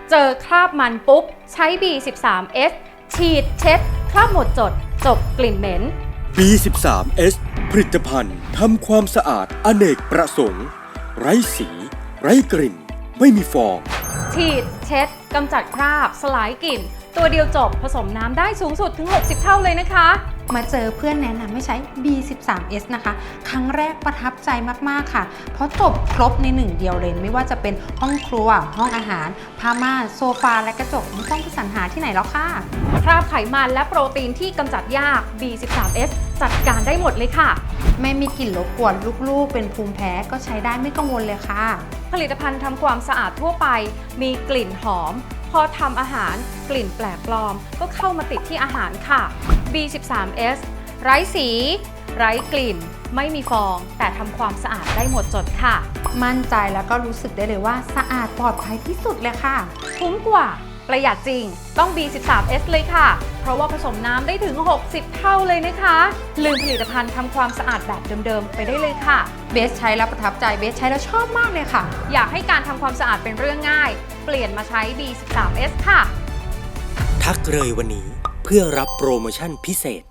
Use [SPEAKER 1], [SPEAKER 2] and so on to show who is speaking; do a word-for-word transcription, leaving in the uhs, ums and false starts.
[SPEAKER 1] เจอคราบมันปุ๊บใช้ บี สิบสาม เอส ฉีดเช็ดคราบหมดจดจบกลิ่นเหม็น
[SPEAKER 2] บี สิบสาม เอส ผลิตภัณฑ์ทำความสะอาดอเนกประสงค์ไร้สี ไร้กลิ่น ไม่มีฟอง
[SPEAKER 1] ฉีดเช็ดกำจัดคราบสลายกลิ่น ตัวเดียวจบผสมน้ำได้สูงสุดถึง หกสิบ เท่าเลยนะคะ
[SPEAKER 3] มาเจอเพื่อนแนะนำให้ใช้ บี สิบสาม เอส นะคะ ครั้งแรกประทับใจมากๆค่ะ เพราะจบครบในหนึ่งเดียวเลยไม่ว่าจะเป็นห้องครัว ห้องอาหารผ้าม่านโซฟาและกระจกไม่ต้องไปสรรหาที่ไหนแล้วค่ะ
[SPEAKER 1] คราบไขมันและโปรตีนที่กำจัดยาก บี สิบสาม เอส จัดการได้หมดเลยค่ะ
[SPEAKER 3] ไม่มีกลิ่นรบกวนลูกๆเป็นภูมิแพ้ก็ใช้ได้ไม่กังวลเลยค่ะ
[SPEAKER 1] ผลิตภัณฑ์ทำความสะอาดทั่วไป มีกลิ่นหอม พอทำอาหารกลิ่นแปลกปลอมก็เข้ามาติดที่อาหารค่ะ บี สิบสาม เอส ไร้สี ไร้กลิ่น ไม่มีฟอง แต่ทำความสะอาดได้หมดจดค่ะ
[SPEAKER 3] มั่นใจแล้วก็รู้สึกได้เลยว่าสะอาดปลอดภัยที่สุดเลยค่ะ
[SPEAKER 1] คุ้มกว่าประหยัดจริงต้อง บี สิบสาม เอส เลยค่ะ เพราะว่าผสมน้ำได้ถึง หกสิบ เท่าเลยนะคะ ลืมผลิตภัณฑ์ทำความสะอาดแบบเดิมๆ ไปได้เลยค่ะ
[SPEAKER 3] เบสใช้แล้วประทับใจเบสใช้แล้วชอบมากเลยค่ะ
[SPEAKER 1] อยากให้การทำความสะอาดเป็นเรื่องง่าย เปลี่ยนมาใช้ บี สิบสาม เอส ค่ะ
[SPEAKER 4] ทักเลยวันนี้เพื่อรับโปรโมชั่นพิเศษ